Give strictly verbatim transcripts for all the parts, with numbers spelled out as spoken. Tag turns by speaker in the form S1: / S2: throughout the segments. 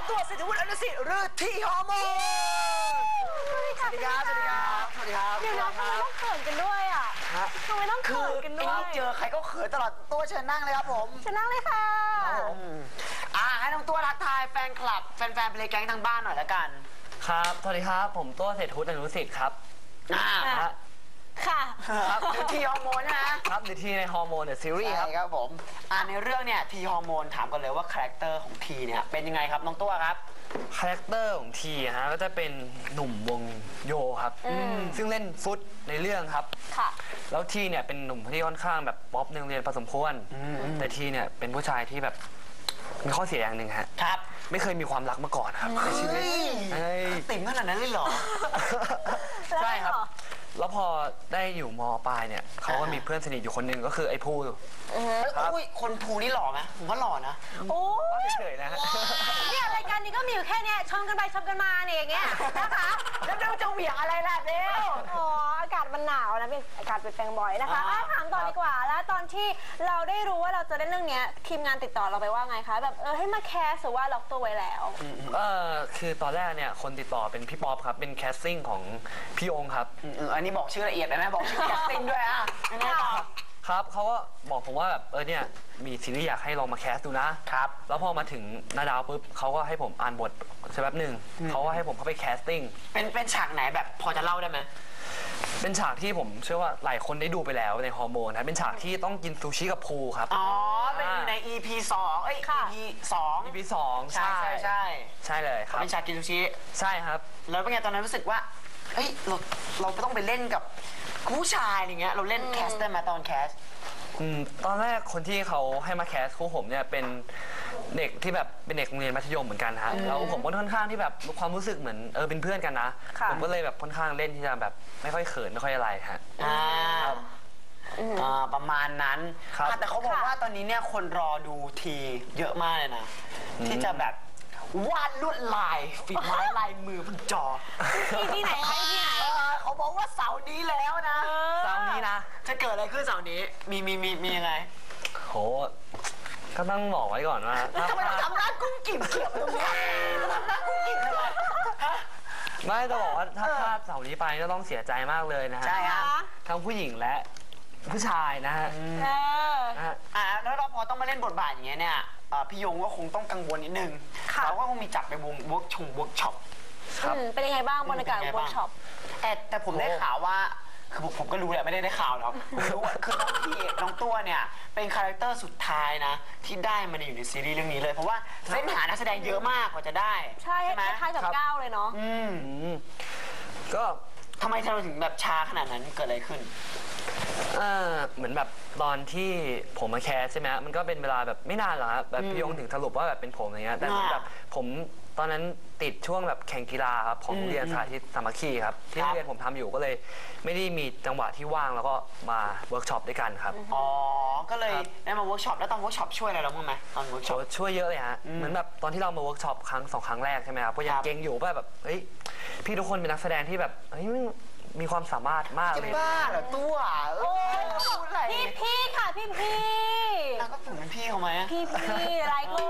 S1: ตัวเศรษฐวุฒิอนุสิทธิ์หรือทีฮอร์โมนสวัสดีครับ สวัสดีครับ สวัสดีครับ
S2: เดี๋ยวนะทำไมต้องเขินกันด้วยอ่ะทำไมต้องเขินกันด้วย
S1: เจอใครก็เขินตลอดตัวเชิญนั่งเลยครับผม
S2: เชิญนั่งเลยค่ะ
S1: อ่าให้น้องตัวทักทายแฟนคลับแฟนๆเพลงแก๊งทางบ้านหน่อยละกัน
S3: ครับสวัสดีครับผมตัวเศรษฐวุฒิอนุสิทธิ์ครับ
S1: อ่า
S2: ค่ะ
S1: ครับหรือทีฮอร์โมนนะครับ
S3: หรือทีในฮอร์โมนเดอะซีรีส์ครับ
S1: ครับผมอ่าในเรื่องเนี่ยทีฮอร์โมนถามกันเลยว่าคาแรคเตอร์ของทีเนี่ยเป็นยังไงครับน้องตัวครับ
S3: คาแรคเตอร์ของทีฮะก็จะเป็นหนุ่มวงโยครับซึ่งเล่นฟุตในเรื่องครับ
S2: ค่ะ
S3: แล้วทีเนี่ยเป็นหนุ่มที่ค่อนข้างแบบป๊อปในโรงเรียนพอสมควรแต่ทีเนี่ยเป็นผู้ชายที่แบบมีข้อเสียอย่างหนึ่งฮะ
S1: ครับ
S3: ไม่เคยมีความรักมาก่อนครับในชีวิต
S1: ติ่มขนาดนั้นเลยเหรอ
S3: ใช่ครับแล้วพอได้อยู่ม.ปลายเนี่ยเขาก็มีเพื่อนสนิทอยู่คนหนึ่งก็คือไอ้ภู
S1: ครับคนภูนี่หล่อไหมผมว่าหล่อนะ
S2: โอ้
S3: เฉยๆนะ
S2: เนี่ยรายการนี้ก็มีอยู่แค่นี้ชมกันไปชมกันมาเนี่ยอย่างเงี้ยนะคะ
S1: แล้วเบลจะเหวี่ยงอะไรล่ะเบล
S2: อ๋ออากาศมันหนาวนะเป็นอากาศเปลี่ยนแปลงบ่อยนะคะถามต่อดีกว่าแล้วตอนที่เราได้รู้ว่าเราจะเล่นเรื่องนี้ทีมงานติดต่อเราไปว่าไงคะแบบเออให้มาแคสหรือว่าล็อกตัวไว้แล้ว
S3: เออคือตอนแรกเนี่ยคนติดต่อเป็นพี่ป๊อปครับเป็นแคสติ้งของพี่องค์ครับ
S1: อันนี้บอกชื่อละเอียดได้ไหมบอกชื่อแคสติ้งด้วยอ่ะยังไงต่อ
S3: ครับเขาก็บอกผมว่าแบบเออเนี่ยมีซีรีส์อยากให้ลองมาแคสดูนะครับแล้วพอมาถึงนาดาวปุ๊บเขาก็ให้ผมอ่านบทสักแป๊บหนึ่งเขาก็ให้ผมเข้าไปแคสติ้ง
S1: เป็นเป็นฉากไหนแบบพอจะเล่าได้ไหม
S3: เป็นฉากที่ผมเชื่อว่าหลายคนได้ดูไปแล้วในฮอร์โมนนะเป็นฉากที่ต้องกินซูชิกับภูครับ
S1: อ๋อเป็นใน อี พี สองเอ้ย อี พี สอง
S3: อี พี สอง
S1: ใช่ใช่ใช่
S3: ใช่เลยครับ
S1: เป็นฉากกินซูชิ
S3: ใช่ครับ
S1: แล้วเป็นไงตอนนั้นรู้สึกว่าเฮ้ยเราเราต้องไปเล่นกับผู้ชายอย่างเงี้ยเราเล่นแคสได้ไหมตอนแคส
S3: อืมตอนแรกคนที่เขาให้มาแคสคู่ผมเนี่ยเป็นเด็กที่แบบเป็นเด็กโรงเรียนมัธยมเหมือนกันฮะแล้วผมก็ค่อนข้างที่แบบความรู้สึกเหมือนเออเป็นเพื่อนกันนะผมก็เลยแบบค่อนข้างเล่นที่จะแบบไม่ค่อยเขินไม่ค่อยอะไรฮะ
S1: อ่าอ่าประมาณนั้นแต่เขาบอกว่าตอนนี้เนี่ยคนรอดูทีเยอะมากเลยนะที่จะแบบวาดลวดลายฝีไม้ลายมือบนจอ
S2: ที่ไหนที่ไหน
S1: เขาบอกว่าเสาร์นี้แล้วนะ
S3: เสาร์นี้นะ
S1: จะเกิดอะไรขึ้นเสาร์นี้มีมีมีมียังไง
S3: โหก็ต้องบอกไว้ก่อนว่า
S1: ทำไมต้องทำหน้ากุ้งกิ่มเขียวตรงนี้ทำหน้ากุ้งกิ่มเลย
S3: ไม่ต้องบอกว่าถ้าพลาดเสาร์นี้ไปก็ต้องเสียใจมากเลยนะฮะ
S1: ใช่ครับ
S3: ทั้งผู้หญิงและผู้ชายนะฮะ
S1: อ่าแล้วเราพอต้องมาเล่นบทบาทอย่างเงี้ยเนี่ยพี่ยงก็คงต้องกังวลนิดนึงเราก็คงมีจับไปวงเวิร์กชงเวิร์กช็อป
S2: เป็นยังไงบ้างบรรยากาศเวิร์กช็อป
S1: แต่แต่ผมได้ข่าวว่าคือผมก็รู้แหละไม่ได้ได้ข่าวหรอกผมรู้ว่าคือน้องพี่น้องตัวเนี่ยเป็นคาแรคเตอร์สุดท้ายนะที่ได้มาอยู่ในซีรีส์เรื่องนี้เลยเพราะว่าเส้นหานักแสดงเยอะมากกว่าจะได้
S2: ใช่ไหมคล้ายๆกับก้าวเลยเนาะ
S1: อืม
S3: ก็
S1: ทำไมเราถึงแบบช้าขนาดนั้นเกิดอะไรขึ้น
S3: เออเหมือนแบบตอนที่ผมมาแคสใช่ไหมมันก็เป็นเวลาแบบไม่นานหรอกครับแบบพี่ยงถึงสรุปว่าแบบเป็นผมอย่างเงี้ยแต่แบบผมตอนนั้นติดช่วงแบบแข่งกีฬาครับของเรียนสาธิตสามัคคีครับที่เรียนผมทำอยู่ก็เลยไม่ได้มีจังหวะที่ว่างแล้วก็มาเวิร์กช็อปด้วยกันครับ
S1: อ๋อก็เลยได้มาเวิร์กช็อปแล้วตอนเวิร์กช็อปช่วยอะไรเราบ้างไหมตอนเวิร์กช็อป
S3: ช่วยเยอะเลยฮะเหมือนแบบตอนที่เรามาเวิร์กช็อปครั้งสองครั้งแรกใช่ไหมครับก็ยังเก่งอยู่ว่าแบบเฮ้ยพี่ทุกคนเป็นนักแสดงที่แบบเฮ้ยมีความสามารถมากเลย
S1: จะบ้าเหรอตัว
S2: โอ้พี่พี่ค่ะพี่พี่
S1: แล้วก็ผมเป็นพี่เขาไหม
S2: พี่พี่อะไรกู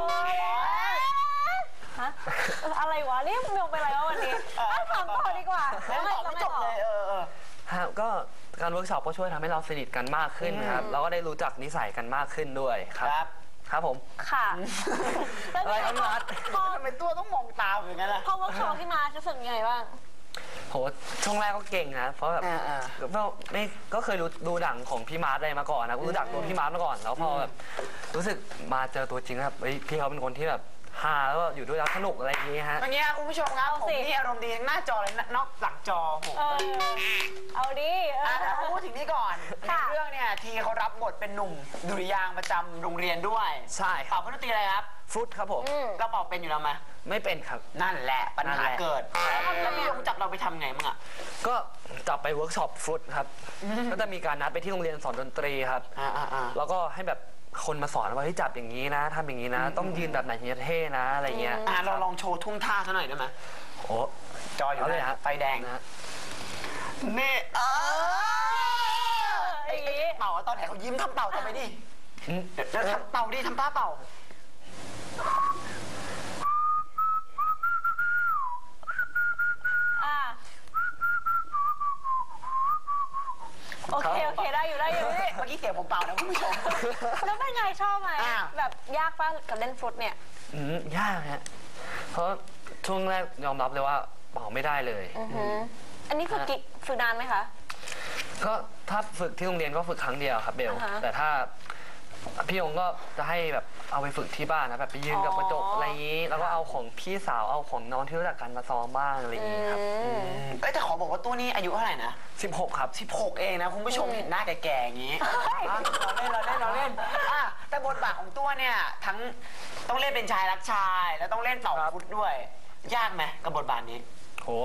S2: ฮะอะไรวะเรียกมึงไปอะไรวะวันนี้ถามต่อดีกว่า
S1: แล้วไม่จบเลยเออ
S3: ฮะก็การเวิร์กช็อปก็ช่วยทำให้เราสนิทกันมากขึ้นครับเราก็ได้รู้จักนิสัยกันมากขึ้นด้วยครับครับผม
S2: ค่ะ
S3: อะไรครับพี่มาร์ท
S1: ทำไมตัวต้องมองตาอย่างนั้นล่ะ
S2: พอเวิร์กช็อปที่มาจะรู้สึกยังไงบ้าง
S3: โหช่วงแรกก็เก่งนะเพราะแบบก็ไม่ก็เคยรู้ดูหนังของพี่มาร์ทอะไรมาก่อนนะรู้จักตัวพี่มาร์ทมาก่อนแล้วพอแบบรู้สึกมาเจอตัวจริงครับพี่เขาเป็นคนที่แบบฮาแล้วอยู่ด้วยแล้วสนุกอะไรอย่างงี้ฮะ
S1: อย่างเงี้ยคุณผู้ชมครับผมนี่อารมณ์ดีทั้งหน้าจอเลยนอกหลังจอผม
S2: เอาดิ
S1: แต่พูดถึงนี่ก่อนในเรื่องเนี่ยทีเขารับบทเป็นหนุ่มดุริยางค์ประจำโรงเรียนด้วย
S3: ใช่
S1: เป่าดนตรีอะไรครับ
S3: ฟลุตครับผม
S1: เราเป่าเป็นอยู่แล้วไหม
S3: ไม่เป็นครับ
S1: นั่นแหละปัญหาเกิดแล้วพี่ยงจับเราไปทำไงมั้งอ่ะ
S3: ก็จับไปเวิร์กช็อปฟลุตครับก็จะมีการนัดไปที่โรงเรียนสอนดนตรีครับแล้วก็ให้แบบคนมาสอนว่าให้จับอย่างนี้นะทำอย่างนี้นะต้องยืนแบบไหนถึงจะเท่นะอะไรเงี้ย
S1: เราลองโชว์ทุ่งท่าซะหน่อยได้ไหม
S3: โอ้
S1: จออยู่เลยฮะไฟแดงนะนี่เออเป่าตอนไหนเขายิ้มทำเป่าทำไปดิเดี๋ยวทำเป่าดิทำท่าเป่าเมื่อกี้เสียงผมเปล่านะคุณผู้ชม
S2: แล้วเป็นไงชอบไหม
S1: อ่า
S2: แบบยากป่ะกับเล่นฟลุตเนี่ย
S3: อืมยากฮะเพราะช่วงแรกยอมรับเลยว่าเป่าไม่ได้เลย
S2: อือหืออันนี้ฝึกกี่ฝึกนานไหมคะ
S3: ก็ถ้าฝึกที่โรงเรียนก็ฝึกครั้งเดียวครับเบล
S2: อ่าฮะ
S3: แต่ถ้าพี่ยงก็จะให้แบบเอาไปฝึกที่บ้านนะแบบไปยืนกับ
S2: อ๋อก
S3: ระจกอะไรอย่างนี้ แล้วก็เอาของพี่สาวเอาของน้องที่รู้จักกันมาซ้อมบ้างอะไรอย่างนี้ครับ
S2: อืม
S1: เอ้ยแต่ขอบอกว่าตัวนี้อายุเท่าไหร่นะ
S3: สิบหกครับ
S1: สิบหกเองนะคุณผู้ชมเห็นหน้าแก่ๆอย่างนี้อ่ะเราเล่นเราเล่นเราเล่นอ่ะแต่บทบาทของตัวเนี่ยทั้งต้องเล่นเป็นชายรักชาย แล้วต้องเล่นเป่าฟุตด้วย ยากไหมกับบทบาทนี้
S3: โห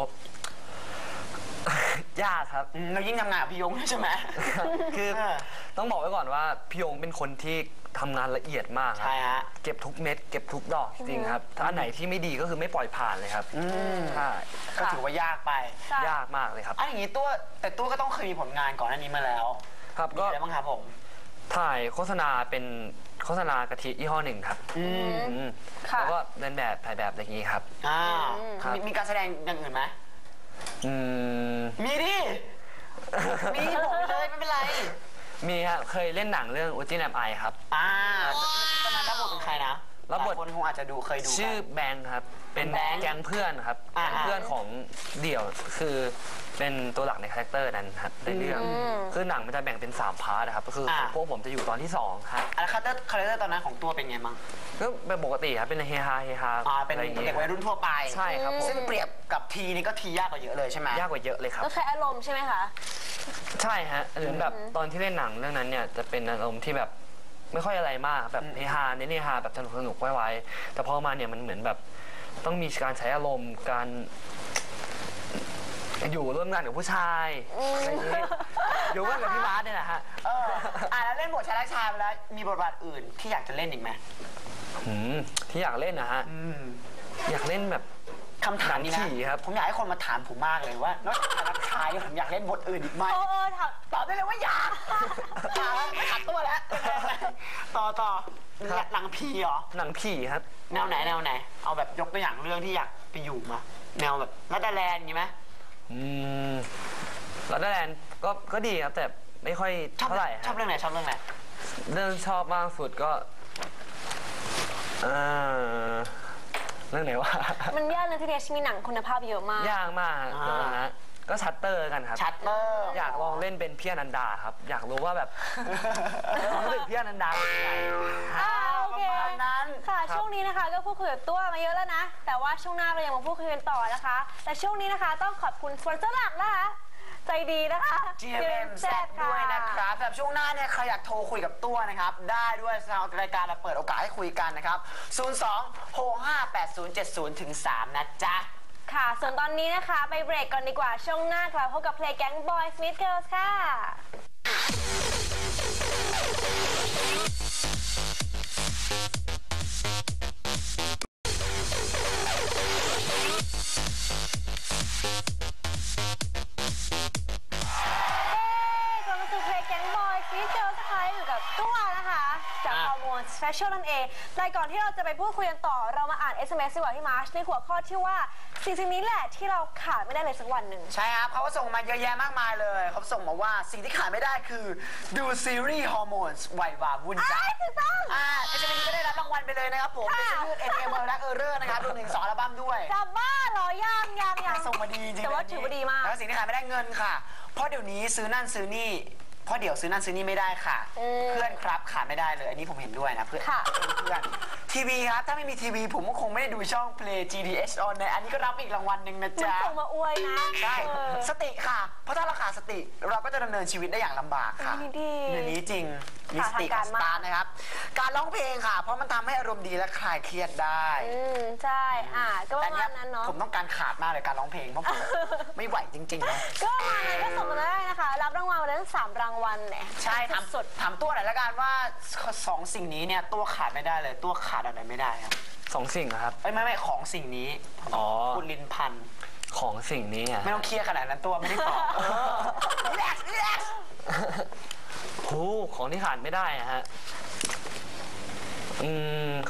S3: ยากครับ
S1: อืมเรายิ่งทำงานกับพี่ยงด้วยใช่ไหม
S3: คือ
S1: เออ
S3: ต้องบอกไว้ก่อนว่าพี่ยงเป็นคนที่ทำงานละเอียดมากครั
S1: ใช่ฮะ
S3: เก็บทุกเม็ดเก็บทุกดอกจริงๆครับ ถ้าอันไหนที่ไม่ดีก็คือไม่ปล่อยผ่านเลยครับ
S1: อืม
S3: ใช่
S1: ก็ถือว่ายากไป
S2: ใช่
S3: ยากมากเลยครับ
S1: อันอย่างนี้ตัวแต่ตัวก็ต้องเคยมีผลงานก่อนหน้านี้มาแล้ว
S3: ครับ
S1: มี
S3: ก็
S1: อะไรบ้างครับผม
S3: ถ่ายโฆษณาเป็นโฆษณากะทิยี่ห้อหนึ่งครับ
S1: อืม
S3: อืม
S2: ค่ะ
S3: แล้วก็เดินแบบถ่ายแบบอะไรอย่างนี้ครับ
S1: อ่า
S3: ครับ
S1: มีมีการแสดงอย่างอื่นไหม
S3: อืม
S1: มีดิ มีบอกไปเลยไม่เป็นไร
S3: มีฮะเคยเล่นหนังเรื่องอุจินแอมไอครับ
S1: อ่าตอนนั้นรับบทเป็นใครนะ
S3: รับบท
S1: หลายคนคงอาจจะดูเคยดูกัน
S3: ชื่อแบงค์ครับ เป็น
S1: แบงค์
S3: แก๊งเพื่อนครับ
S1: อ่า
S3: แก๊งเพื่อนของเดี่ยวคือเป็นตัวหลักในคาแรคเตอร์นั้นครับในเรื่อง
S2: อืม
S3: คือหนังมันจะแบ่งเป็นสามพาร์ทนะครับก็คือของพวกผมจะอยู่ตอนที่สองครับ
S1: อ่ะแล้วคาแรคเตอร์คาแรคเตอร์ตอนนั้นของตัวเป็นไงมั้ง
S3: ก็เป็นปกติครับเป็นเฮฮาเฮฮา
S1: อ่าเป็น
S3: อะไรอย่าง
S1: เด็
S3: เงี้
S1: ก
S3: ย
S1: วัยรุ่นทั่วไป
S3: ใช่ครับผม
S1: ซึ่งเปรียบกับทีนี่ก็ทียากกว่าเยอะเลยใช่ไหม
S3: ยากกว่าเยอะเลยครับ
S2: ก็ใช้อารมณ์ใช่ไหมคะ
S3: ใช่ฮะหรือแบบตอนที่เล่นหนังเรื่องนั้นเนี่ยจะเป็นอารมณ์ที่แบบไม่ค่อยอะไรมากแบบเฮฮาเน้นเฮฮาแบบสนุกสนุกไว้ๆแต่พอมาเนี่ยมันเหมือนแบบต้องมีการใช้อารมณ์การอยู่ร่วมงานกับผู้ชายอะไรอย่างงี้อยู่ร่วมกับพี่มาร์ทเนี่ยแหละฮะ
S1: เอออ่ะแล้วเล่นบทชายรักชายไปแล้วมีบทบาทอื่นที่อยากจะเล่นอีกไหม
S3: หืมที่อยากเล่นนะฮะ
S1: อืม
S3: อยากเล่นแบบ
S1: คำถามนี้
S3: หนั
S1: นะ
S3: งผีครับ
S1: ผมอยากให้คนมาถามผมมากเลยว่านอกจากชายรักชายเนี่ยผมอยากเล่นบทอื่นอีกไหม
S2: เออเออถาม
S1: ตอบได้เลยว่าอยากถามไม่ขัดตัวแล้วต่อต่อหนังผีเหรอ
S3: หนังผีครับ
S1: แนวไหนแนวไหน เอาแบบยกตัวอย่างเรื่องที่อยากไปอยู่มา แนวแบบรัดดาแลนด์อย่างงี้ไหม
S3: อืมแล้วแลนด์ก็ก็ดีครับแต่ไม่ค่อย
S1: ชอบ
S3: เท่าไหร่
S1: ชอบ
S3: ฮะ
S1: เรื่องไหนชอบเรื่องไหน
S3: เรื่องชอบมากสุดก็เออเรื่องไหนวะ
S2: มันยากนะที่เนชมีหนังคุณภาพเยอะมาก
S3: ยากมากเดี๋ยวนะก็ชัตเตอร์กันครับ
S1: ชัตเตอร์
S3: อยากลองเล่นเป็นพี่อนันดาครับ อยากรู้ว่าแบบความรู้สึกพี่อนันดาเป็นยังไง
S2: อ่าโอเค
S1: ประมาณนั้น
S2: ค่ะช่วงนี้นะคะก็พูดคุยกับตัวมาเยอะแล้วนะ แต่ว่าช่วงหน้าเรายังมาพูดคุยกันต่อนะคะ แต่ช่วงนี้นะคะต้องขอบคุณสปอนเซอร์หลักนะคะ ใจดีนะคะ
S1: จี เอ็ม แซด ด้วยนะครับสำหรับช่วงหน้าเนี่ยใครอยากโทรคุยกับตัวนะครับ ได้ด้วยทางรายการเราเปิดโอกาสให้คุยกันนะครับ ศูนย์ สอง หก ห้า แปด ศูนย์ เจ็ด ศูนย์ ถึง สาม นะจ๊ะ
S2: ค่ะ ส่วนตอนนี้นะคะไปเบรกก่อนดีกว่า ช่วงหน้ากลับพบกับเพลงแก๊ง Boys Meet Girls ค่ะกลับมาสู่เพลงแก๊ง Boys Meet Girls นะคะอยู่กับตัวนะคะจากฮอร์โมน Special นั่นเองรายก่อนที่เราจะไปพูดคุยกันต่อเรามาอ่าน เอส เอ็ม เอส ดีกว่าที่มาร์ชในหัวข้อที่ว่าสิ่งสิ่งนี้แหละที่เราขาดไม่ได้เลยสักวันหนึ่ง
S1: ใช่ครับเขาก็ส่งมาเยอะแยะมากมายเลย เขาส่งมาว่าสิ่งที่ขาดไม่ได้คือดูซีรีส์ฮอร์โมนส์วัยวาวุ่นใจ
S2: อ้ายถูกต้อง
S1: อ่าเอสเอ็มก็ได้รับรางวัลไปเลยนะครับผม
S2: ค่ะ
S1: เป็นชื่อ เอ็น เอ็ม และเออร์เรอร์นะครับรวมถึงสองอัลบั้มด้วย
S2: จะบ้าเหรอยังยังยัง
S1: ส่งมาดีจริงๆ
S2: แต่ว่าถือว่าดีมาก
S1: แล้วสิ่งที่ขายไม่ได้เงินค่ะ เพราะเดี๋ยวนี้ซื้อนั่นซื้อนี่ เพราะเดี๋ยวซื้อนั่นซื้อนี่ไม่ได้ค่ะ
S2: อืม
S1: เพื่อนครับขาดไม่ได้เลย อันนี้ผมเห็นด้วยนะเพื่อน
S2: ค่ะ
S1: เพื่อนทีวีครับ ถ้าไม่มีทีวีผมก็คงไม่ได้ดูช่อง Play จี ดี เอช on ในอันนี้ก็รับอีกรางวัลหนึ่งนะ
S2: มัน
S1: จ๊ะ
S2: ส่งมาอวยนะ
S1: ใช่
S2: เออ
S1: สติค่ะ เพราะถ้าเราขาดสติ เราก็จะดำเนินชีวิตได้อย่างลำบากค่ะ
S2: อันนี้ดี
S1: เรื่องนี้จริง มีสติ
S2: ค่ะ
S1: กับ
S2: ทาง
S1: ส
S2: การมาก
S1: ตาร์ทนะครับ การร้องเพลงค่ะ เพราะมันทำให้อารมณ์ดีและคลายเครียดได้
S2: อืมใช่ อ่าก็ประมาณนั้นเนาะ
S1: ผมต้องการขาดมากเลยการร้องเพลงเพราะผม ไม่ไหวจริงๆนะ
S2: ก็ประมาณนั้นก็ส่งมาได้นะคะ รับรางวัลมาได้ทั้งสามรางวัลเนี่ย
S1: ใช่ถาม
S2: สุด
S1: ถามตัวหน่อยละกันว่าสองสิ่งนี้เนี่ยตัวขาดไม่ได้เลย ตัวขาดอะไรไม่ได้ครับ
S3: สองสิ่งนะครับ
S1: เอ้ยไม่ไม่ของสิ่งนี้
S3: อ๋อ
S1: คุณลินพันธ์
S3: ของสิ่งนี้อ่ะ
S1: ไม่ต้องเครียดขนาดนั้นตัวไม่ได้ตอบรีแลกซ์รีแลกซ์
S3: โหของที่ขาดไม่ได้อะฮะ อืม ข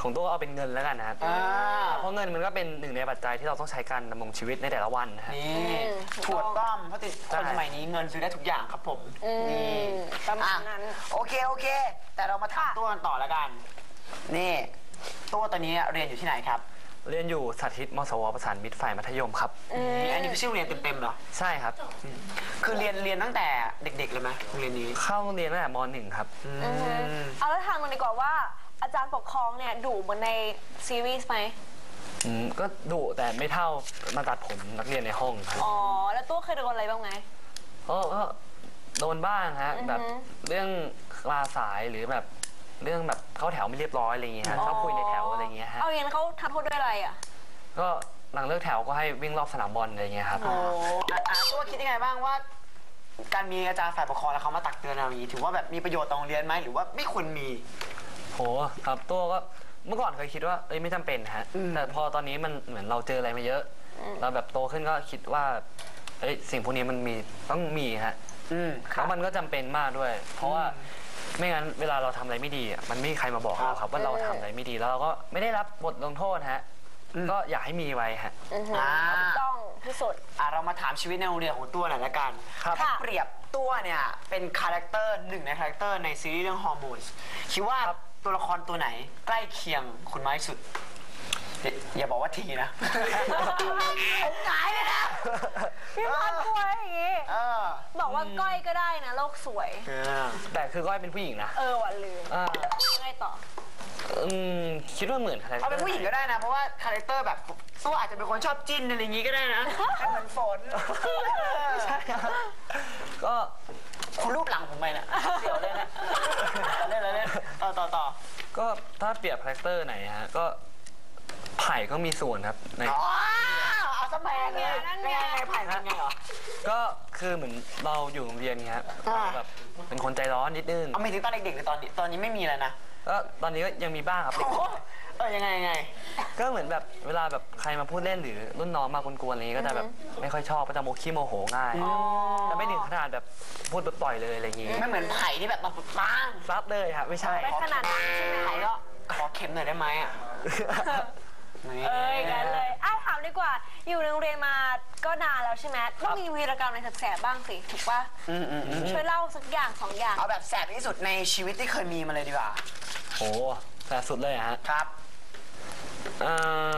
S3: ของตัวเอาเป็นเงินแล้วกันนะครับ
S1: อ่า
S3: เพราะเงินมันก็เป็นหนึ่งในปัจจัยที่เราต้องใช้การดำรงชีวิตในแต่ละวันนะฮะ
S1: นี่ถูกต้องเพราะติดคนสมัยนี้เงินซื้อได้ทุกอย่างครับผม
S2: อืม
S1: นี่
S2: ประมาณนั้น
S1: อ่ะโอเคโอเค แต่เรามาถามตัวกันต่อแล้วกัน นี่ตัวตอนนี้เรียนอยู่ที่ไหนครับ
S3: เรียนอยู่สาธิตมสวประสานมิตรฝ่ายมัธยมครับ
S1: นี่อันนี้คือชื่อโรงเรียนเต็มๆเหรอ
S3: ใช่ครับ
S1: คือเรียนเรียนตั้งแต่เด็กๆเลยไหมโรงเรียนนี้
S3: เข้าโรงเรียนตั้งแต่มหนึ่งครับ
S1: อื
S2: อือฮึ
S1: ม
S2: เอาแล้วทางมันดีกว่าว่าอาจารย์ปกครองเนี่ยดุเหมือนในซีรีส์ไหม
S3: อืมก็ดุแต่ไม่เท่ามาตัดผมนักเรียนในห้องครับ
S2: อ๋อ แล้วตัวเคยโดนอะไรบ้างไหม
S3: ก็ก็โดนบ้างฮะ
S2: อือฮึ
S3: แบบเรื่องลาสายหรือแบบเรื่องแบบเข้าแถวไม่เรียบร้อยอะไรอย่างเงี้ยฮะชอบคุยในแถวอะไรอย่างเงี้ยฮะ
S2: เอาอย่างนั้นเขาทำโทษด้วยอะไรอ่ะ
S3: ก็หลังเลิกแถวก็ให้วิ่งรอบสนามบอลอะไรอย่างเงี้ยครับ
S1: โอ้อ่ะอ่ะตัวคิดยังไงบ้างว่า การมีอาจารย์ฝ่ายปกครองแล้วเขามาตักเตือนเราอย่างนี้ถือว่าแบบมีประโยชน์ต่อโรงเรียนไหมหรือว่าไม่ควรมี
S3: โหครับตัวก็เมื่อก่อนเคยคิดว่าเอ้ยไม่จำเป็นฮะ
S1: อืม
S3: แต่พอตอนนี้มันเหมือนเราเจออะไรมาเยอะ เราแบบโตขึ้นก็คิดว่าเอ้ยสิ่งพวกนี้มันมีต้องมีฮะ
S1: อืมค
S3: แล้
S1: รับ
S3: วมันก็จำเป็นมากด้วย เพราะว่าไม่งั้นเวลาเราทำอะไรไม่ดีอ่ะมันไม่มีใครมาบอกเราครับว่าเราทำอะไรไม่ดีแล้วเราก็ไม่ได้รับบทลงโทษฮะ
S1: อืม
S3: ก็อยากให้มีไว้ฮะ
S2: อือฮึ
S1: อ่า
S2: ถูกต้องที่สุด
S1: อ่ะเรามาถามชีวิตในโรงเรียนของตัวหน่อยละกัน
S3: ครับ
S1: ถ้าเปรียบตัวเนี่ยเป็นคาแรคเตอร์หนึ่งในคาแรคเตอร์ในซีรีส์เรื่องฮอร์โมนคิดว่าตัวละครตัวไหนใกล้เคียงคุณมากที่สุดอย่าอย่าบอกว่าทีนะ ผมหงายเลยนะ
S2: พี่พัดกลัวอย่างงี้
S1: เออ
S2: บอกว่าก้อยก็ได้นะโลกสวย
S1: เออ
S3: แต่คือก้อยเป็นผู้หญิงนะ
S2: เออว่ะลืม
S3: อ่า
S2: ยังไงต่อ
S3: อืมคิดว่าเหมือนใคร
S1: เอาเป็นผู้หญิงก็ได้นะ เพราะว่าคาแรคเตอร์แบบตัวอาจจะเป็นคนชอบจิ้นอะไรอย่างงี้ก็ได้นะให้เหมือนฝนใช่ครับ
S3: ก็
S1: คุณรูปหลังผมไปนะเสียวเลยนะเล่นเล่นต่อต่อต่อ
S3: ก็ถ้าเปรียบคาแรคเตอร์ไหนฮะก็ไผ่ก็มีส่วนครับใน
S1: อ๋อเอาสมัยไงนั่นไงไงผ่านไงเหรอ
S3: ก็คือเหมือนเราอยู่โรงเรียนเงี้ย
S1: อ่า
S3: แบบเป็นคนใจร้อนนิดนึง
S1: เอาไม่ถึงตอนเด็กๆหรือตอนนี้ตอนนี้ไม่มีแล้วนะ
S3: ก็ตอนนี้ก็ยังมีบ้างครับ
S1: โอ้โหเออยังไงยังไง
S3: ก็เหมือนแบบเวลาแบบใครมาพูดเล่นหรือรุ่นน้องมากวนๆอะไรอย่างงี้ก็จะแบบไม่ค่อยชอบก็จะโมขี้โมโหง่ายแต่ไม่ถึงขนาดแบบพูดแบบปล่อยเลยอะไรอย่างงี้
S1: ไม่เหมือนไผ่ที่แบบมาปัง
S3: ซับเลยครับไม่ใช่
S2: ไม่ขนาดนั้นใช่ไหม
S1: ไผ่ก็ขอเข็มหน่อยได้ไหมอ่ะนี่
S2: เอ้ยกันเลยอ่ะถามดีกว่า อยู่ในโรงเรียนมาก็นานแล้วใช่ไหมต้องมีวีรกรรมอะไรแสบๆบ้างสิ ถูกปะ
S1: อืมอืมอืม
S2: ช่วยเล่าสักอย่างสองอย่าง
S1: เอาแบบแสบที่สุดในชีวิตที่เคยมีมาเลยดีกว่า
S3: โหแต่สุดเลยอะฮะ
S1: ครับ
S3: เอ่อ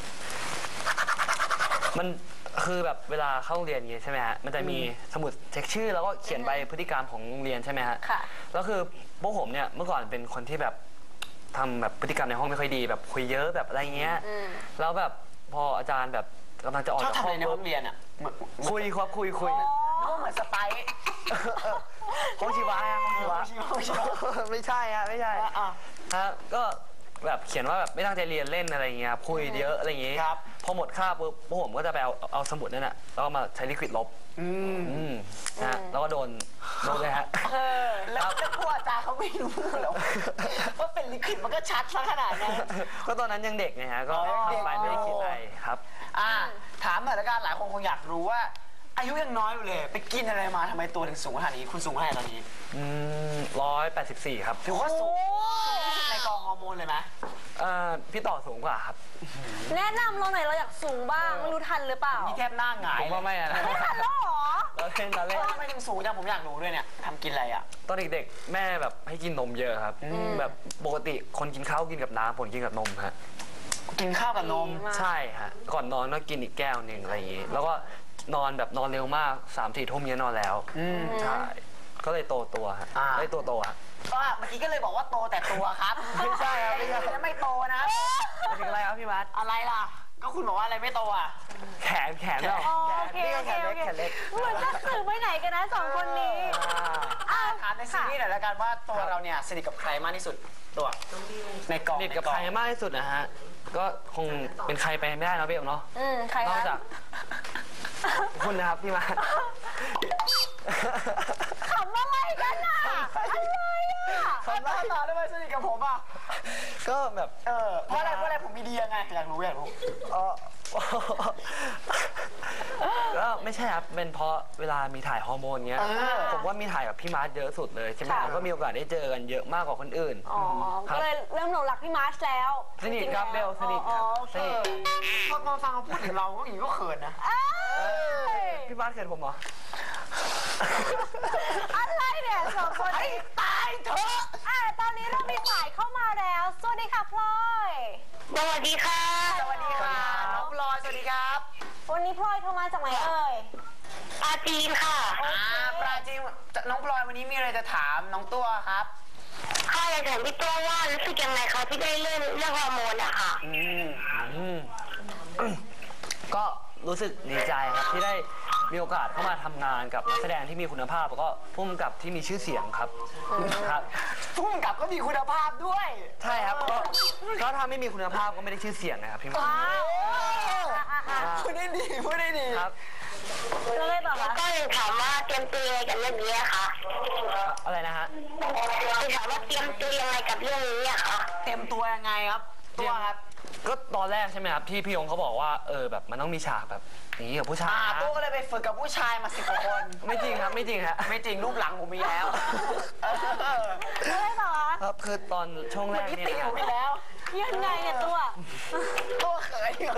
S3: มันคือแบบเวลาเข้าโรงเรียนอย่างงี้ใช่ไหมฮะมันจะมีสมุดเช็คชื่อแล้วก็เขียนใบพฤติกรรมของโรงเรียนใช่ไหมฮะ
S2: ค่ะ
S3: แล้วคือพวกผมเนี่ยเมื่อก่อนเป็นคนที่แบบทำแบบพฤติกรรมในห้องไม่ค่อยดีแบบคุยเยอะแบบอะไรเงี้ย
S2: อืม
S3: แล้วแบบพออาจารย์แบบกำลังจะออก
S1: ชอบ
S3: จาก
S1: ทำ
S3: ห้
S1: อะ
S3: อง
S1: ไรในห้องเรียนอ่ะเหมือน
S3: คุยครับคุยคุย
S2: อ๋อ
S1: ก็เหมือนสไปซ์
S3: ห้องชีวะฮะห้องชีวะ
S1: ห้องชีวะ
S3: ไม่ใช่ฮะไม่ใช่
S1: อ่ะอ่ะ
S3: ฮะก็แบบเขียนว่าแบบไม่ตั้งใจเรียนเล่นอะไรเงี้ยครับคุยเยอะอะไรอย่างงี้
S1: ครับ
S3: พอหมดคาบปุ๊บพวกผมก็จะไปเอาเอาสมุดนั่นน่ะแล้วก็มาใช้ลิควิดลบ
S1: อืม
S3: อืมนะฮะแล้วก็โดนโดนเลยฮะ
S2: เออ
S1: แล้วแล้วกลัวอาจารย์เขาไม่รู้เหรอว่าเป็นลิขิตมันก็ชัดซะขนาดนั้น
S3: ก็ตอนนั้นยังเด็กไงฮะก็
S1: อ๋อยังเด็ก
S3: ทำไปไม่ได้คิดอะไรครับ
S1: อ่าถามหน่อยละกันหลายคนคงอยากรู้ว่า อายุยังน้อยอยู่เลย ไปกินอะไรมาทำไมตัวถึงสูงขนาดนี้คุณสูงเท่าไหร่ตอนนี้
S3: อืมร้อยแปดสิบสี่ครับ
S1: ถือว่าสูงสูงที่สุดในกองฮอร์โมนเลยไหไหม
S3: เอ่อพี่ต่อสูงกว่าครับ
S2: แนะนำเราหน่อยเราอยากสูงบ้างไม่รู้ทันหรือเปล่า
S1: นี่แทบหน้าหงาย
S3: ผมว่าไม่อะนะ
S2: ไม่ทันแล้วเหรอ
S3: เราเล่นเรา
S1: เอ
S3: เล่น
S1: อทำไมถึงสูงจังผมอยากรู้ด้วยเนี่ยทำกินอะไรอ่ะ
S3: ตอนเด็กๆแม่แบบให้กินนมเยอะครับ แบบปกติคนกินข้าวกินกับน้ำผมกินกับนมฮะ
S1: กินข้าวกับนม
S2: ดีมาก
S3: ใช่ฮะก่อนนอนก็กินอีกแก้วหนึ่งอะไรอย่างงี้ แล้วก็นอนแบบนอนเร็วมากสามสี่ทุ่มเนี้ยนอนแล้ว
S1: อืม
S3: ใช่ก็เลยโตตัวฮะ
S1: อ่า
S3: ได้ตัวโตฮะ
S1: ก็เมื่อกี้ก็เลยบอกว่าโตแต่ตัวครับ
S3: ไม่ใช่ครับไม่ใช่
S1: ไม่โตนะ
S3: ไปถึงอะไรครับพี่มัด
S1: อะไรล่ะ ก็คุณบอกว่าอะไรไม่โตอ่ะ
S3: แขนแขนเรา
S2: อ๋อโอเค
S3: นี่
S2: โอ
S3: ก็
S2: เค
S3: แขน
S2: โอ
S3: เล็ก
S2: เค
S3: แขนเล็ก
S2: เหมือนจะสื่อไปไหนกันนะสองคนนี้
S1: อ่าถามในซีรีส์หน่อยละกันว่าตัวเราเนี่ยสนิทกับใครมากที่สุดตัวในกอง
S3: สนิทกับ
S1: ใน
S3: ใครมากที่สุดนะฮะ ก็คงเป็นใครไปไม่ได้เนอะพี่เอ๋เนาะ
S2: อืมใคร
S3: นอก
S2: คะ
S3: จากคุณนะครับพี่มา
S2: ขำอะไรกันอ่ะอะไรอ่ะ
S1: ทำหน้าตาได้ไหมสนิทกับผมอ่ะ
S3: ก็แบบ
S1: เออเพราะอะไรเพราะอะไรผมมีดียังไงอยากรู้อยากรู้
S3: เออก็ไม่ใช่ครับ เป็นเพราะเวลามีถ่ายฮอร์โมนเงี้ย
S1: เออ
S3: ผมว่ามีถ่ายกับพี่มาร์ทเยอะสุดเลยใช่ไหมแล้วก็มีโอกาสได้เจอกันเยอะมากกว่าคนอื่น
S2: อ๋อ
S3: ครับ
S2: ก็เลยเริ่มหลงรักพี่มาร์ชแล้ว
S3: สนิทครับเบลสนิทครับ
S2: อ๋อโอเค
S1: พอมาฟังเขาพูดถึงเราก็อย่างนี้ก็เขินนะ
S2: เอ้ย
S3: พี่บ้านเขินผมเหรอ
S2: อะไรเนี่ยสองคน
S1: ไอ้
S2: นี้
S1: ตายเถอะ
S2: อ่ะตอนนี้เรามีสายเข้ามาแล้ว สวัสดีค่ะพลอย
S4: สวัสดีค่ะ
S1: สวัสดีค่ะน้องพลอยสวัสดีครับ
S2: วันนี้พลอยโทรมาจากไหนเอ่ย
S4: ปาจีนค่ะ
S1: อ่าปราจีนน้องพลอยวันนี้มีอะไรจะถามน้องตัวครับ
S4: ข้าอยากถามพี่ตัวว่ารู้สึกยังไงคะที่ได้เล่นเรื่องฮอร์โมนอะค่ะ
S1: อืม
S3: อืม ก็รู้สึกดีใจครับที่ได้มีโอกาสเข้ามาทำงานกับนักแสดงที่มีคุณภาพแล้วก็ผู้กำกับที่มีชื่อเสียงครับครับ
S1: พุ่งกับก็มีคุณภาพด้วย
S3: ใช่ครับก็ก็ถ้าไม่มีคุณภาพก็ไม่ได้ชื่อเสียงนะครับพี่มา
S2: ว้าวอ่ะอ่ะอ่ะ
S1: พูดได้ดีพูดได้ดี
S3: ครับ
S2: แล้วเลยต่อ
S4: แล้ว
S2: คะ
S4: ก็อยากถามว่าเตรียมตัวยังไงกับเรื่องนี้อะคะ
S3: อะไรนะฮะ
S4: อยากถามว่าเตรียมตัวยังไงกับเรื่องนี้อะคะ
S1: เต็มตัวยังไงครับ ตัวครับ
S3: ก็ตอนแรกใช่ไหมครับที่พี่ยงเขาบอกว่าเออแบบมันต้องมีฉากแบบอย่างนี้กับผู้ชาย
S1: อ่า
S3: นะ
S1: ตัวก็เลยไปฝึกกับผู้ชายมาสิบกว่าคน
S3: ไม่จริงครับไม่จริงฮะ
S1: ไม่จริงรูปหลังผมมีแล้ว
S2: แล้วเลยต่อคะ
S3: ครับคือตอนช่วงแร
S1: เมื่อก กี้
S3: เนี่ย
S1: ตี
S3: นะ
S1: ผมไปแล้ว
S2: ยังไงเนี่ยตัว
S1: ตัวเขินอยู่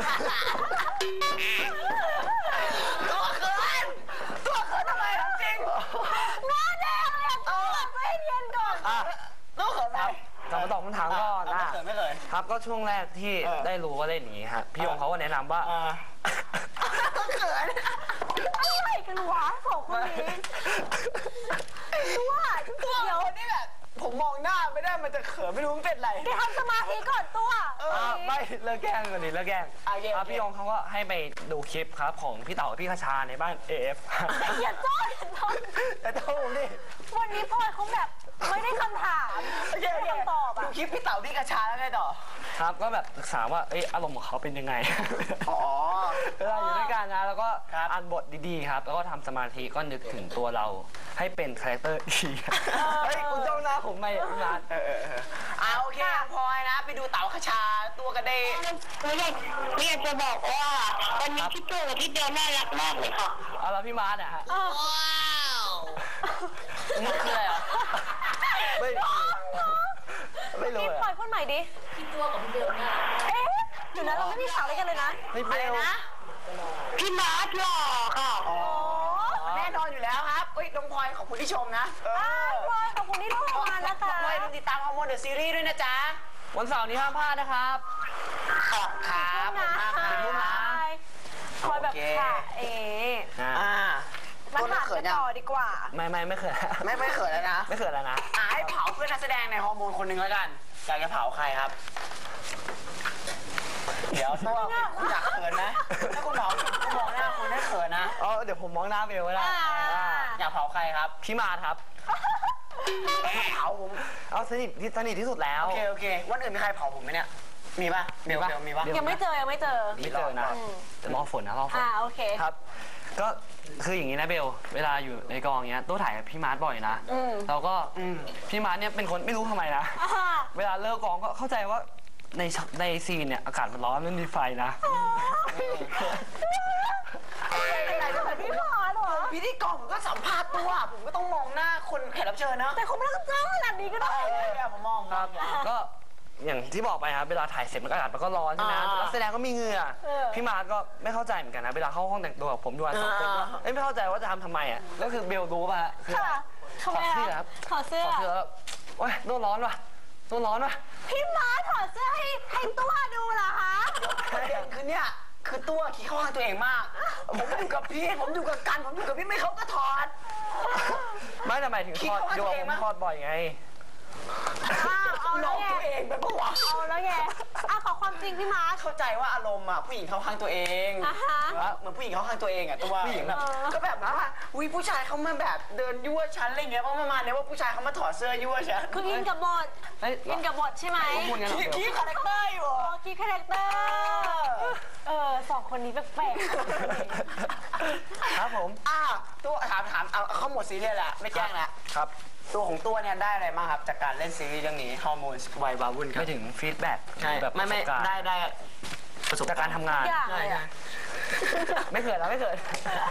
S1: ตัวเขินตัวเขินทำไมถามจริง
S2: หน้าแดงเลยอะตัวใจเย็นก่อน
S3: อ่ะ
S1: ตัวเขินไหม
S3: กลับมาตอบคำถามก่อน
S1: ไม่
S3: นะ
S1: เขินไม่เขิน
S3: ครับก็ช่วงแรกที่
S1: เออ
S3: ได้รู้ว่าเล่นอย่างนี้ฮะพี่ยงเขาก็แนะนำว่า
S1: อ่าเขิน
S2: อะไรกันวะสองคนนี้ตัว
S1: ตัว
S2: เดี๋ยว
S1: คนนี้แบบผมมองหน้าไม่ได้มันจะเขินไม่รู้มันเป็นไร
S2: เดี๋ยวทำสมาธิก่อนตัว
S3: อ่ะไม่เลิกแกล้งกันดิเลิกแกล้ง
S1: โอเค
S3: ครับ
S1: โอเค
S3: พี่ยงเขาก็ให้ไปดูคลิปครับของพี่เต๋ากับพี่คชาในบ้าน เอ เอฟ
S2: อย่าจ้อนอย่าจ้อน
S1: แต่ตัวผมดิ
S2: วันนี้พลอยเขาแบบไม่ได้คำถาม
S1: โอเค
S2: ไม่
S1: โอ
S2: ได้
S1: เค
S2: คำตอบ
S1: ดู
S2: อ่ะ
S1: คลิปพี่เต๋าพี่กระชาแล้วไงต่อ
S3: ครับก็แบบศึกษาว่าเอ้ยอารมณ์ของเขาเป็นยังไง
S1: อ๋อ
S3: เวลาอยู่ด้วยกันนะแล้วก็
S1: ครับ
S3: อ่านบทดีๆครับแล้วก็ทำสมาธิก็นึกถึงตัวเราให้เป็นคาแรคเตอร์ดีเฮ้ยคุณจ้องหน้าผมไม่พี่นัท
S1: เออเออเอออ่าโอเคพลอยนะ ไปดูเต๋าขชาตัวกระเดย
S4: ไม่อยากไม่อยากจะบอกว่าวันนี้พี่ตัวกับพี่เบลน่ารักมากเลยค่ะ
S3: เอาแล้วพี่มาร์ทอะฮะ
S2: เออ
S3: มันคืออะไรอ่ะไม่ไม่รู้
S2: พี่
S3: อะ
S2: พลอยพูดใหม่ดิพี่ตัวกับพี่เบลเนี่ยเอ๊ะเดี๋ยวนะเราไม่มีข่าวอะไรกันเลยนะ
S3: ไม่เบ
S1: อะไร
S3: ล
S1: นะ
S4: พี่มาร์ทหล่อค่ะ
S1: อ๋อ
S2: โอ้
S1: แน่นอนอยู่แล้วครับเฮ้ยน้องพลอยขอบคุณที่ชมนะเอ
S2: อ่า
S1: อ
S2: พลอยขอบคุณที่โทรมานะคะ
S1: พลอยลืมติดตามฮอร์โมนเดอะซีรีส์ด้วยนะจ๊ะ
S3: วันเสาร์นี้ห้ามพลาดนะครับ
S4: ค่ะ
S1: ครับผมมากครับ
S2: พลอยพลอยแบบ
S1: โอเค
S2: ค่ะเอ๋
S3: อ่า
S1: อ่า
S2: มา
S1: ตัว
S2: ถาม
S1: เขิ
S2: กัน น
S1: ยัง
S2: ต่อดีกว่า
S3: ไม่ไม่ไม่เคย
S1: ไม่ไม่เขินแล้วนะ
S3: ไม่เคยแล้วนะ
S1: อ่าให้เผาเพื่อนนักแสดงในฮอร์โมนคนหนึ่งแล้วกันอยากจะเผาใครครับ เดี๋ยวตัวคุณอยากเขินนะถ้าคุณเผาคุณมองหน้าคุณให้เขินนะ
S3: อ๋อเดี๋ยวผมมองหน้าเบลก็ได้
S2: อ่า
S3: อ่า
S1: อยากเผาใครครับ
S3: พี่มาร์ทครับ
S1: เผาผม
S3: เอาสนิทที่สนิทที่สุดแล้ว
S1: โอเคโอเควันอื่นมีใครเผาผมไหมเนี่ย มีป่ะเบลเบลมีป่ะ
S2: ยังไม่เจอยังไม่เจอ
S3: ไม่เจอนะแต่รอฝนนะรอฝน
S2: อ่าโอเค
S3: ครับ ก็คืออย่างนี้นะเบล เวลาอยู่ในกองเนี้ยตัวถ่ายกับพี่มาร์ทบ่อยนะ
S2: อืม
S3: แล้วก็
S1: อืม
S3: พี่มาร์ทเนี่ยเป็นคนไม่รู้ทำไมนะ
S2: อ่า
S3: เวลาเลิกกองก็เข้าใจว่าในช็อตในซีนเนี่ยอากาศมันร้อนมันมีไฟนะ
S2: เป็นไรจะเหมือนพี่หมอเหรอ
S1: พิธีกรผมก็สัมภาษณ์ตัว ผมก็ต้องมองหน้าคนแขกรับเชิญนะ
S2: แต่เขาไม่ต้องจ้างขนาดนี้ก็ได้
S1: เออเนี่ยผมมอง
S3: ครับ ก็อย่างที่บอกไปครับเวลาถ่ายเสร็จมันก็อากาศมันก็ร้อนใช่ไหม
S1: อ่า
S3: นักแสดงก็มีเหงื่อ
S2: เออ
S3: พี่มาร์ทก็ไม่เข้าใจเหมือนกันนะเวลาเข้าห้องแต่งตัวกับผมด้วยสองคนก็
S1: อ่า
S3: เอ้ยไม่เข้าใจว่าจะทำทำไมอ่ะแล้วคือเบลรู้ป่ะฮะคือ
S2: ค่ะ
S3: ถอดเสื้อครับ
S2: ถอดเสื้อ
S3: ถอดเสื้อแล้วโอ๊ยโดนร้อนว่ะโดนร้อนว่ะ
S2: พี่ม้าถอดเสื้อให้ให้ตัวดูเหรอคะ
S1: ประเด็นคือเนี่ย คือตัวขี้เข้าข้างตัวเองมาก ผมอยู่กับพี่ ผมอยู่กับกัน ผมอยู่กับพี่ไม่เขาก็ถอด
S3: ไม่แต่หมายถึง
S1: คิด
S3: ทอด
S1: ว่า
S3: โย
S1: ตัว
S3: ม
S1: เอง
S3: ผม
S1: มั้ย
S3: ทอดบ่อยไง
S2: อ้าวเอา
S1: หล
S2: แล้ว
S1: อก
S2: ไง
S1: ตัวเองไปปะวะ
S2: เอาแล้วไงอ่ะขอความจริงพี่ม้า
S1: เข้าใจว่าอารมณ์อ่ะผู้หญิงเข้าข้างตัวเอง
S2: อ่าฮะ
S1: ว่าเหมือนผู้หญิงเข้าข้างตัวเองอ่ะตัว
S3: ผู้หญิงแบบ
S1: ก็แบบว่าอุ้ยผู้ชายเขามาแบบเดินยั่วฉันอะไรเงี้ยเพราะประมาณเนี้ยว่าผู้ชายเขามาถอดเสื้อยั่วฉัน
S2: คืออินกับบท
S3: เอ้ย
S2: อินกับบทใช่ไหม
S3: ข้อมูลกันเหรอ
S1: ขี้ขี้คาแรคเตอร์อยู่
S2: โอ้กีคาแรคเตอร์เออสองคนนี้แปลก
S3: ครับผม
S1: อ่ะตัวถามถามเอาเข้าหมดซีเรียสละไม่แกล้งละ
S3: ครับ
S1: ตัวของตัวเนี่ยได้อะไรบ้างครับจากการเล่นซีรีส์เรื่องนี้ฮอร์โมนวัยวาวุ่นครับ
S3: ไม่ถึงฟีดแบ็ก
S1: ใช่
S3: แบบ
S1: ไม่ไม่
S3: ประสบการณ์
S1: ได้ได้ประสบ
S3: จากการทำงาน
S2: ๆอย่าง
S1: ใช่
S2: เลย
S1: ใช่
S2: อะ
S3: ไม่เคยแล้วไม่เคย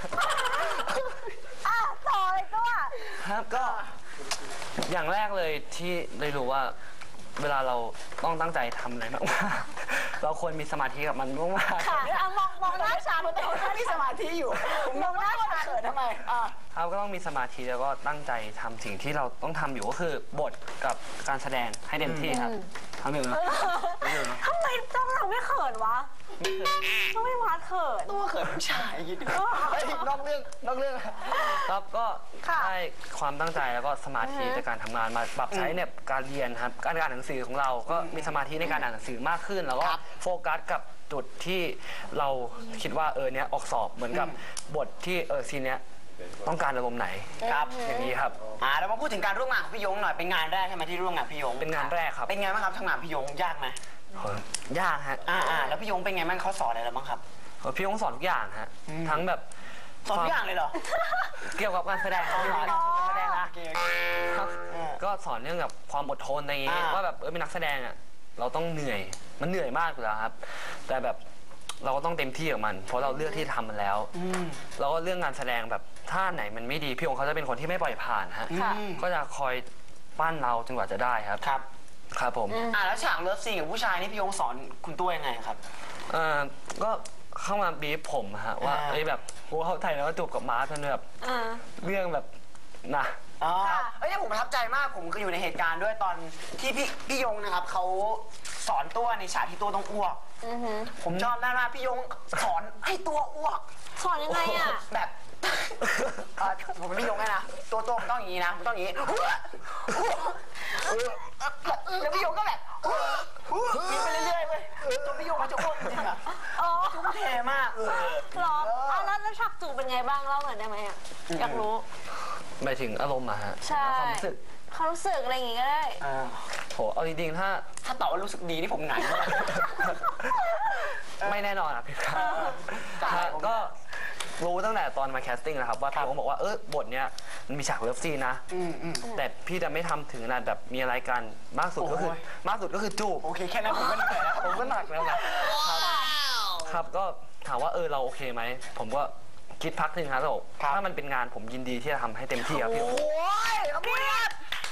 S2: อ่ะต่อเลยตัว
S3: ครับก็อย่างแรกเลยที่ได้รู้ว่าเวลาเราต้องตั้งใจทำอะไรมากๆเราควรมีสมาธิกับมันมากๆ
S2: ค่ะเอามองมองหน้าฉัน
S1: แต่ว่ามีสมาธิอยู่
S2: มองหน้าฉัน
S1: เขินทำไมอ่ะ
S3: ครับก็ต้องมีสมาธิแล้วก็ตั้งใจทำสิ่งที่เราต้องทำอยู่ก็คือบทกับการแสดงให้เต็มที่ครับทำหนึ่งนะ
S2: ทำไมต้องเราไม่เขินวะต้องไม่มาเขิน
S1: ตัวเขินผู้ชายคิดดูเฮ้ยนอกเรื่องนอกเรื่อง
S3: ครับก็
S2: ค่ะ
S3: ได้ความตั้งใจแล้วก็สมาธิในการทำงานมาปรับใช้ในการเรียนครับการอ่านหนังสือของเราก็มีสมาธิในการอ่านหนังสือมากขึ้น แล้วก็
S1: ครับ
S3: โฟกัสกับจุดที่เราคิดว่าเออเนี้ยออกสอบเหมือนกับบทที่เออซีนเนี้ยต้องการอารมณ์ไหน
S1: ครับ
S3: อย่างนี้ครับ
S1: อ่าเรามาพูดถึงการร่วมงานของพี่ยงหน่อยเป็นงานแรกใช่ไหมที่ร่วมงานพี่ยง
S3: เป็นงานแรกครับ
S1: เป็นไงบ้างครับทำงานพี่ยงยากไหม
S3: โหยากฮะ
S1: อ่าอ่าแล้วพี่ยงเป็นไงบ้างเขาสอนอะไรเราบ้างครับ
S3: โหพี่ยงสอนทุกอย่างฮะทั้งแบบ
S1: สอนทุกอย่างเลยเหรอ
S3: เกี่ยวกับการแสดง
S1: อ๋อ
S3: ที่
S1: การแสดงนะ
S3: ครับ
S1: อ่า
S3: ก็สอนเรื่องกับความอดทนอะไรอย่างงี้
S1: อ่า
S3: ว่าแบบเออเป็นนักแสดงอ่ะเราต้องเหนื่อยมันเหนื่อยมากอยู่แล้วครับ แต่แบบเราก็ต้องเต็มที่กับมัน เพราะเราเลือกที่จะทำมันแล้ว
S1: อืม
S3: แล้วก็เรื่องงานแสดงแบบถ้าไหนมันไม่ดีพี่องค์เขาจะเป็นคนที่ไม่ปล่อยผ่านฮะ
S2: ค่ะ
S1: อืม
S3: ก็จะคอยปั้นเราจนกว่าจะได้ครับ
S1: ครับ
S3: ครับผม
S1: อ่าแล้วฉากเลิฟซีนกับผู้ชายนี่พี่ยงสอนคุณตัวยังไงครับ
S3: เอ่อก็เข้ามาบีบผมฮะว่า
S1: อ่า
S3: เอ้ยแบบกูเข้าใจแล้วว่าจูบกับมาร์ทมันแบบ
S2: อ่า
S3: เรื่องแบบนะ
S1: อ๋อ
S2: ค่ะ
S1: เอ้ยเนี่ยผมประทับใจมากผมก็อยู่ในเหตุการณ์ด้วยตอนที่พี่พี่ยงนะครับเขาสอนตัวในฉากที่ตัวต้องอ้วก
S2: อือหือ
S1: ผมชอบมากว่าพี่ยงสอนให้ตัวอ้วก
S2: สอนยังไงอ่ะ
S1: แบบเอ่อผมเป็นพี่ยงไงนะตัวตัวผมต้องอย่างนี้นะผมต้องอย่างนี้แล้วพี่ยงก็แบบมีไปเรื่อยๆเว้ยตัวพี่ยงเขาจะอ้วกจริงๆอะ
S2: อ๋อ
S1: ทุ่มเทมาก
S2: เหรออ่ะแล้วแล้วฉากจูบเป็นไงบ้างเล่าหน่อยได้ไหมอ่ะอยากรู้
S3: หมายถึงอารมณ์อะฮะ
S2: ใช่
S3: ความรู้สึก
S2: ความรู้สึกอะไรอย่างงี้ก็ได้
S1: อ่า
S3: โหเอาจริงๆถ้า
S1: ถ้าตอบว่ารู้สึกดีนี่ผมหงายมาก
S3: ไม่แน่นอนอ่ะพี่ครับ
S1: ใช่
S3: ฮะก็รู้ตั้งแต่ตอนมาแคสติ้งนะครับว่าพี่โอ๊คบอกว่าเออบทเนี้ยมันมีฉากเลิฟซีนนะ
S1: อืมอืม
S3: แต่พี่จะไม่ทำถึงขนาดแบบมีอะไรกันมากสุดก็คือ
S1: โอ้ย
S3: มากสุดก็คือจูบ
S1: โอเคแค่นั้นผมก็เหนื่อยแล้ว
S3: ผมก็หนักแล้วนะครับครับก็ถามว่าเออเราโอเคไหมผมก็คิดพักหนึ่งครับแล้วบอกถ้ามันเป็นงานผมยินดีที่จะทำให้เต็มที่ครับพี่โอ๊ค
S1: โอ้ยขอบคุณครับ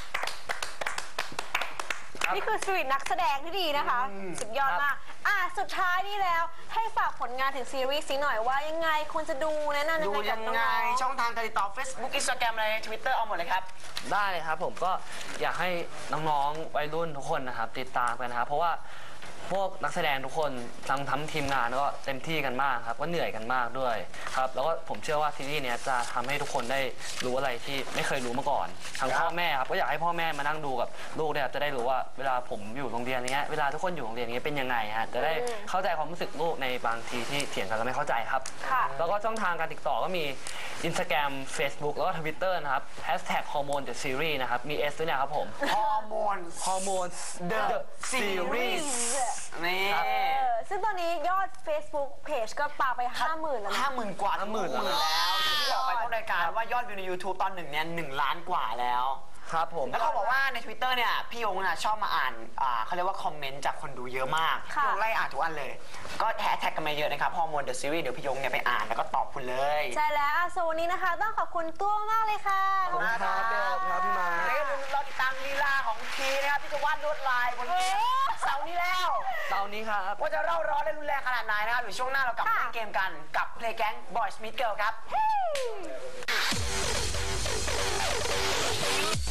S2: นี่คือสปิริตนักแสดงที่ดีนะคะ สุดยอดมาก อ่ะ สุดท้ายนี่แล้วให้ฝากผลงานถึงซีรีส์นี้หน่อยว่ายังไงควรจะดูแนะนำ
S1: ดู
S2: ยังไงกับ
S1: ยังไง
S2: น้องๆ
S1: ช่องทางการติดต่อ Facebook Instagram อะไร Twitter เอาหมดเลยครับ
S3: ได้เลยครับผมก็อยากให้น้องๆวัยรุ่นทุกคนนะครับติดตามกันนะครับเพราะว่าพวกนักแสดงทุกคนทั้งทั้งทีมงานก็เต็มที่กันมากครับก็เหนื่อยกันมากด้วยครับแล้วก็ผมเชื่อว่าซีรีส์เนี้ยจะทำให้ทุกคนได้รู้อะไรที่ไม่เคยรู้มาก่อนทั้งพ่อแม่ครับก็อยากให้พ่อแม่มานั่งดูกับลูกเนี่ยครับจะได้รู้ว่าเวลาผมอยู่โรงเรียนเนี้ยเวลาทุกคนอยู่โรงเรียนนี้เป็นยังไงฮะจะได้เข้าใจความรู้สึกลูกในบางทีที่เถียงกันแล้วไม่เข้าใจครับ
S2: ค่ะ
S3: แล้วก็ช่องทางการติดต่อก็มี Instagram Facebook แล้วก็ Twitter นะครับ Hashtag Hormone The Series นะครับ มี S ด้วยนะครับผม
S1: ฮอร์โมน
S3: Hormone
S1: The
S3: The
S1: Series
S3: Series
S1: นี่
S2: เออซึ่งตอนนี้ยอด Facebook Page ก็ปาไปห้าหมื่นแล้วนะ
S1: ห้าหมื่นกว่า
S3: ห้าหมื่น
S1: แล้วอย่างที่บอกไปต้นรายการว่ายอดวิวใน YouTube ตอนหนึ่งเนี่ยหนึ่งล้านกว่าแล้ว
S3: ครับผม
S1: แล้วเขาบอกว่าใน Twitter เนี่ยพี่ยงน่ะชอบมาอ่านอ่าเขาเรียกว่าคอมเมนต์จากคนดูเยอะมาก
S2: ค่ะ
S1: พี่ยงไล่อ่านทุกอันเลย ก็แฮชแท็กกันมาเยอะนะครับฮอร์โมนเดอะซีรีส์เดี๋ยวพี่ยงเนี่ยไปอ่านแล้วก็ตอบคุณเลย
S2: ใช่แล้วอ่ะส่วนวันนี้นะคะ ต้องขอบคุณตัวมากเลยค่ะ
S1: ขอบคุณครับ
S3: เดิมครับพี่มา
S1: แล้วก็อย่าลืมรอติดตามลีลาของทีนะครับที่จะวาดลวดลายบนเสาร์นี้แล้ว
S3: เตานี้ครับ
S1: ว่าจะเร่าร้อนและรุนแรงขนาดไหนนะครับเดี๋ยวช่วงหน้าเรากลับมาเล่นเกมกันกับเพลงแก๊ง Boys Meet Girl ครับ